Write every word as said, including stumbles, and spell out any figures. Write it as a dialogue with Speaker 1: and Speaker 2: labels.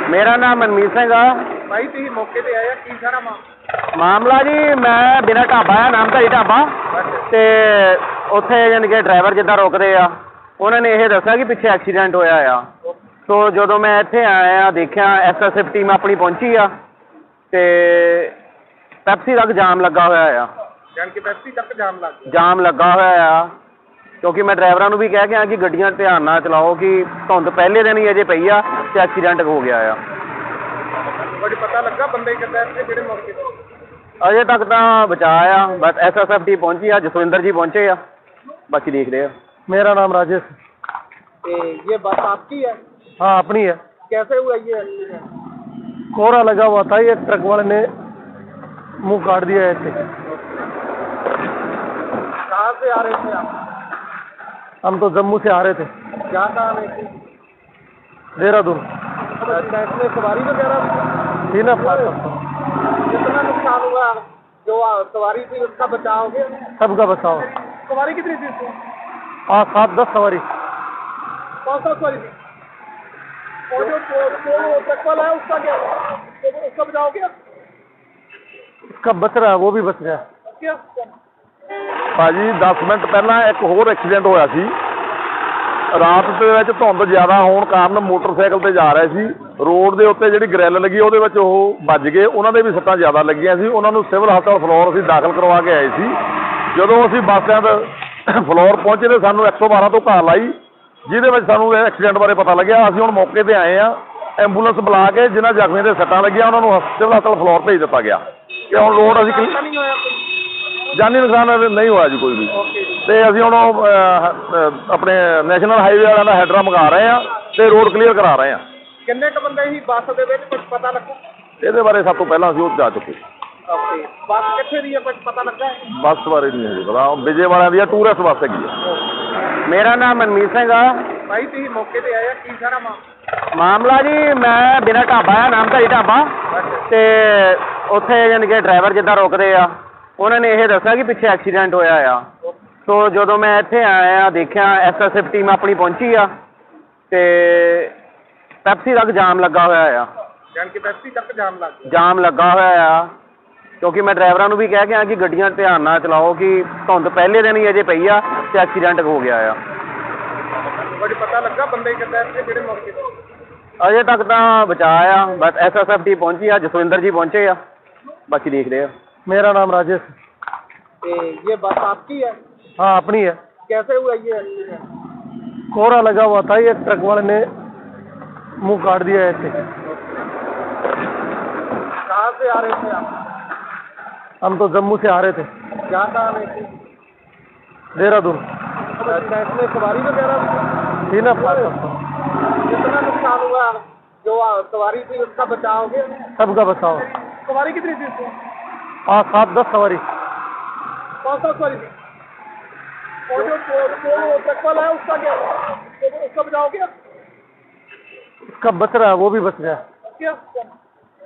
Speaker 1: मेरा नाम मनमीत सिंह आ।
Speaker 2: भाई तुम मौके पे आया की सारा मामला
Speaker 1: मामला जी मैं बिना ढाबा है नामधारी ढाबा ਤੇ ਉੱਥੇ ਯਾਨੀ ਕਿ ਡਰਾਈਵਰ ਜਿੱਦਾਂ ਰੁਕਦੇ ਆ ਉਹਨਾਂ ਨੇ ਇਹ ਦੱਸਿਆ ਕਿ ਪਿੱਛੇ ਐਕਸੀਡੈਂਟ ਹੋਇਆ ਆ। ਸੋ ਜਦੋਂ ਮੈਂ ਇੱਥੇ ਆਇਆ ਦੇਖਿਆ ਐਸ ਐਸ ਐਫ ਟੀਮ ਆਪਣੀ ਪਹੁੰਚੀ ਆ ਤੇ ਪੈਪਸੀ ਤੱਕ ਜਾਮ ਲੱਗਾ ਹੋਇਆ ਆ।
Speaker 2: ਜਾਨ ਕਿ ਪੈਪਸੀ ਤੱਕ ਜਾਮ ਲੱਗ ਗਿਆ
Speaker 1: ਜਾਮ ਲੱਗਾ ਹੋਇਆ ਆ ਕਿਉਂਕਿ ਮੈਂ ਡਰਾਈਵਰਾਂ ਨੂੰ ਵੀ ਕਹਿ ਕੇ ਆ ਕਿ ਗੱਡੀਆਂ ਧਿਆਨ ਨਾਲ ਚਲਾਓ ਕਿ ਧੁੰਦ ਪਹਿਲੇ ਦਿਨ ਹੀ ਅਜੇ ਪਈ ਆ ਤੇ ਐਕਸੀਡੈਂਟ ਹੋ ਗਿਆ ਆ।
Speaker 2: ਬੜੀ ਪਤਾ ਲੱਗਾ ਬੰਦੇ ਕਿੱਦਾਂ ਇੱਥੇ ਜਿਹੜੇ ਮੌਕੇ ਤੇ
Speaker 1: अजे तक तो बचा आ बस एस एस एफ टी पहुंची आ जसविंदर जी पहुंचे आ बाकी देख रहे हैं।
Speaker 3: मेरा नाम राजेश।
Speaker 2: ए, ये बस आपकी है?
Speaker 3: हाँ अपनी है।
Speaker 2: कैसे हुआ ये एक्सीडेंट?
Speaker 3: कोहरा लगा हुआ था ये ट्रक वाले ने मुंह काट दिया ऐसे।
Speaker 2: कहाँ से आ रहे थे आप?
Speaker 3: हम तो जम्मू से आ रहे थे।
Speaker 2: क्या कहाँ रहे थे?
Speaker 3: देहरादून।
Speaker 2: इसमें सवारी वगैरह
Speaker 3: थी ना पास
Speaker 2: कितना नुकसान हुआ? जो सवारी थी उसका बचाव हो गया?
Speaker 3: सबका बचाओ।
Speaker 2: सवारी कितनी थी उसमें?
Speaker 3: हाँ सात दस सवारी।
Speaker 2: कौन सा सवारी थी? और जो ट्रक वाला है उसका क्या उसका बचाव हो गया?
Speaker 3: उसका बच रहा है वो भी बच गया।
Speaker 2: क्या
Speaker 4: ਭਾਜੀ ਦਸ ਮਿੰਟ ਪਹਿਲਾਂ ਇੱਕ ਹੋਰ ਐਕਸੀਡੈਂਟ ਹੋਇਆ ਸੀ। ਰਾਤ ਦੇ ਵਿੱਚ ਧੁੰਦ ਜ਼ਿਆਦਾ ਹੋਣ ਕਾਰਨ ਮੋਟਰਸਾਈਕਲ ਤੇ ਜਾ ਰਹੇ ਸੀ ਰੋਡ ਦੇ ਉੱਤੇ ਜਿਹੜੀ ਗ੍ਰਿਲ ਲੱਗੀ ਉਹਦੇ ਵਿੱਚ ਉਹ ਵੱਜ ਗਏ ਉਹਨਾਂ ਦੇ ਵੀ ਸੱਟਾਂ ਜ਼ਿਆਦਾ ਲੱਗੀਆਂ ਸੀ। ਉਹਨਾਂ ਨੂੰ ਸਿਵਲ ਹਸਪਤਾਲ ਫਲੋਰ ਅਸੀਂ ਦਾਖਲ ਕਰਵਾ ਕੇ ਆਏ ਸੀ। ਜਦੋਂ ਅਸੀਂ ਬੱਸ ਸਟੈਂਡ ਫਲੋਰ ਪਹੁੰਚੇ ਤਾਂ ਸਾਨੂੰ ਇੱਕ ਸੌ ਬਾਰਾਂ ਤੋਂ ਕਾਲ ਆਈ ਜਿਹਦੇ ਵਿੱਚ ਸਾਨੂੰ ਇਹ ਐਕਸੀਡੈਂਟ ਬਾਰੇ ਪਤਾ ਲੱਗਿਆ। ਅਸੀਂ ਹੁਣ ਮੌਕੇ ਤੇ ਆਏ ਆ ਐਂਬੂਲੈਂਸ ਬੁਲਾ ਕੇ ਜਿਨ੍ਹਾਂ ਜ਼ਖਮੀਆਂ ਦੇ ਸੱਟਾਂ ਲੱਗੀਆਂ ਉਹਨਾਂ ਨੂੰ ਸਿਵਲ ਹਸਪਤਾਲ ਫਲੋਰ ਭੇਜ ਦਿੱਤਾ ਗਿਆ ਕਿ ਹੁਣ ਰੋਡ ਅਸੀਂ
Speaker 2: नहीं होया कोई?
Speaker 4: ਜਾਨੀ ਨੁਕਸਾਨ ਨਹੀਂ ਹੋਇਆ ਜੀ ਕੋਈ ਵੀ। ਤੇ ਅਸੀਂ ਹੁਣ ਆਪਣੇ ਨੈਸ਼ਨਲ ਹਾਈਵੇ ਵਾਲਿਆਂ ਦਾ ਹੈਡਰਾ ਮੰਗਾ ਰਹੇ ਆ ਤੇ ਰੋਡ ਕਲੀਅਰ ਕਰਾ ਰਹੇ ਆ।
Speaker 2: किन्ने क बंदे ही बस दे विच कुछ पता लगा?
Speaker 4: ਇਹਦੇ ਬਾਰੇ ਸਭ ਤੋਂ ਪਹਿਲਾਂ ਅਸੀਂ ਉਹ ਜਾ ਚੁੱਕੇ।
Speaker 2: ओके बस कित्थे दी है कुछ पता लगा है?
Speaker 4: ਬੱਸ ਬਾਰੇ ਨਹੀਂ ਹੈ ਪਤਾ ਵਿਜੇ ਵਾਲਿਆਂ ਦੀ ਆ ਟੂਰਿਸਟ ਬੱਸ ਹੈਗੀ ਆ।
Speaker 1: मेरा नाम मनमीत सिंह आ।
Speaker 2: भाई तुम मौके पे आया की सारा मामला
Speaker 1: ਮਾਮਲਾ ਜੀ ਮੈਂ ਬਿਨਾ ਢਾਬਾ ਹੈ ਨਾਮਧਾਰੀ ਢਾਬਾ ਤੇ ਉੱਥੇ ਯਾਨੀ ਕਿ ਡਰਾਈਵਰ ਜਿੱਦਾਂ ਰੁਕਦੇ ਆ ਉਹਨਾਂ ਨੇ ਇਹ ਦੱਸਿਆ ਕਿ ਪਿੱਛੇ ਐਕਸੀਡੈਂਟ ਹੋਇਆ ਆ। ਸੋ ਜਦੋਂ ਮੈਂ ਇੱਥੇ ਆਇਆ ਦੇਖਿਆ ਐਸ ਐਸ ਐਫ ਟੀਮ ਆਪਣੀ ਪਹੁੰਚੀ ਆ ਤੇ ਪੈਪਸੀ ਤੱਕ ਜਾਮ ਲੱਗਾ ਹੋਇਆ ਆ।
Speaker 2: ਜਾਨ ਕਿ ਪੈਪਸੀ ਤੱਕ ਜਾਮ ਲੱਗ ਗਿਆ
Speaker 1: ਜਾਮ ਲੱਗਾ ਹੋਇਆ ਆ ਕਿਉਂਕਿ ਮੈਂ ਡਰਾਈਵਰਾਂ ਨੂੰ ਵੀ ਕਹਿ ਕੇ ਆ ਕਿ ਗੱਡੀਆਂ ਧਿਆਨ ਨਾਲ ਚਲਾਓ ਕਿ ਧੁੰਦ ਪਹਿਲੇ ਦਿਨ ਹੀ ਅਜੇ ਪਈ ਆ ਤੇ ਐਕਸੀਡੈਂਟ ਹੋ ਗਿਆ ਆ।
Speaker 2: ਬੜੀ ਪਤਾ ਲੱਗਾ ਬੰਦੇ ਕਿੱਦਾਂ ਇੱਥੇ ਜਿਹੜੇ ਮੌਕੇ ਤੇ
Speaker 1: ਅਜੇ ਤੱਕ ਤਾਂ ਬਚਾ ਆ ਬਸ ਐਸ ਐਸ ਐਫ ਟੀ ਪਹੁੰਚੀ ਆ ਜਸਵਿੰਦਰ ਜੀ ਪਹੁੰਚੇ ਆ ਬਾਕੀ ਦੇਖ ਰਹੇ हैं।
Speaker 3: मेरा नाम राजेश।
Speaker 2: ए, ये बस आपकी है?
Speaker 3: हाँ अपनी है।
Speaker 2: कैसे हुआ ये एक्सीडेंट?
Speaker 3: कोहरा लगा हुआ था ये ट्रक वाले ने मुंह काट दिया ऐसे।
Speaker 2: कहाँ से आ रहे थे आप?
Speaker 3: हम तो जम्मू से आ रहे थे।
Speaker 2: क्या कहाँ रहे थे?
Speaker 3: देहरादून।
Speaker 2: इसमें सवारी वगैरह
Speaker 3: थी ना पास
Speaker 2: कितना नुकसान हुआ? जो सवारी थी उसका बचाव हो गया?
Speaker 3: सबका बचाओ।
Speaker 2: सवारी कितनी थी उसमें?
Speaker 3: हाँ सात दस सवारी।
Speaker 2: कौन सा सवारी थी? और जो ट्रक वाला है उसका क्या उसका बचाव हो गया?
Speaker 3: उसका बच रहा है वो भी बच गया।
Speaker 2: क्या